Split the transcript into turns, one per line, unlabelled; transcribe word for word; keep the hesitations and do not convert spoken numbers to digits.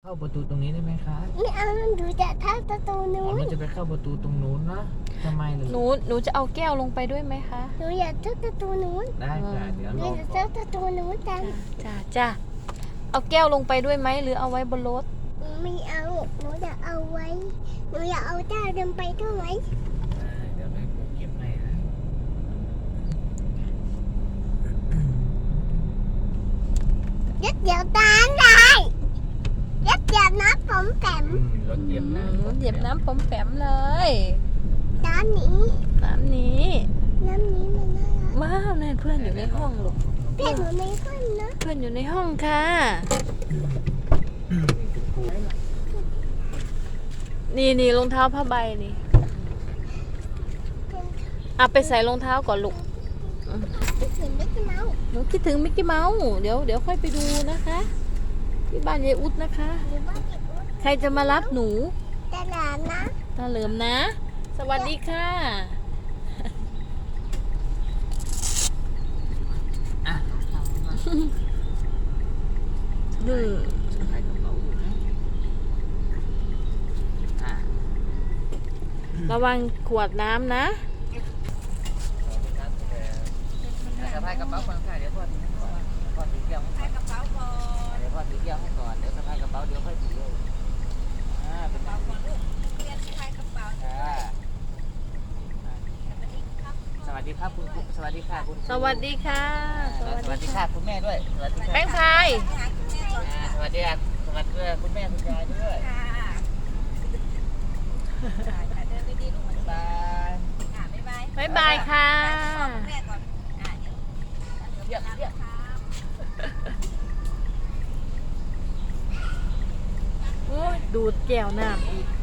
เข้าประตูตรงนี้ได้ไหมคะ
ไม่เอาหนูจะเข้าประตู
อ๋
นู้
อน เราจะไปเข้าประตูตรงนู้นนะทำไมล่ะ
หนูหนูจะเอาแก้วลงไปด้วยไหมคะ
หนูอยากเข้าประตูนู้น
ได้ค่ะเดี๋ยว
ห
ร
นู
อ
จะ
ก่อ
เข้าน ประตูนู้นกัน
จ้าจ้าเอาแก้วลงไปด้วยไหมหรือเอาไว้บนรถ
ไม่เอาหนูจะเอาไว้หนูอยากเอาเจ้าเดินไปด้วยไหม
ได้เดี๋ยวไปเก็บให้นะ
ยัดเดี๋ยวตามได้ยัดเดี๋ยวนะผมแต้ม
อืมรถเหยียบน้ำ
เหยียบน้ำปอมแปมเลย
น้ำนี้
น้ำนี้
น้ำนี้มันน่ารัก
ว้าวนั่นเพื่อนอยู่ในห้องลูก
เพื่อนหนูในห้องนะ
เพื่อนอยู่ในห้องค่ะ นี่นี่รองเท้าผ้าใบนี่เอาไปใส่รองเท้าก่อนลูก
ไม่ถึงไม่กี่เมา
หนูคิดถึงมิกกี้เมาส์เดี๋ยวเดี๋ยวค่อยไปดูนะคะ ที่บ้านยายอุ๊ดนะคะ
หรือว่าเด็กอ้วน
ใครจะมารับหนู
แต่หลานนะ
ตาเหลิมนะ สวัสดีค่ะ
อ่ะเอามา
อืม
สะพายกระเป๋าอยู่นะอ่ะ
ระวังขวดน้ำนะ
สวัสดีครับเดี๋ยวสะพายกระเป๋าก่อนค่ะเดี๋ยวพ่อถือให้ก่อนพ่อถือแก้วให้ก่อน
กระเป๋าก่อน
เดี๋ยวพ่อถือแก้วให้ก่อนเดี๋ยวสะพายกระเป๋าเดี๋ยวค่อยถือเลยอ่าเป็น
กระเป๋าก่อนลูกเรียนสะพายกระเป๋า
อ่าสวัสดีครับคุณครูสวัสดีค่ะคุณครู
สวัสดีค่ะ
อ่าสวัสดีค่ะคุณแม่ด้วยสวัสดีค่ะ
แป้งพาย
อ่าสวัสดีค่ะสวัสดีคุณแม่คุณยายด้วย
ค่ะค่ะเดินดีๆลูก
บ๊ายบาย
ค่ะบ๊ายบาย
บ๊ายบายค่ะ
แม่ก่อนอ่าเดี๋ยว
เยี่ยมเยี่ยม
โอ้ยดูดแก้วน้ำอีก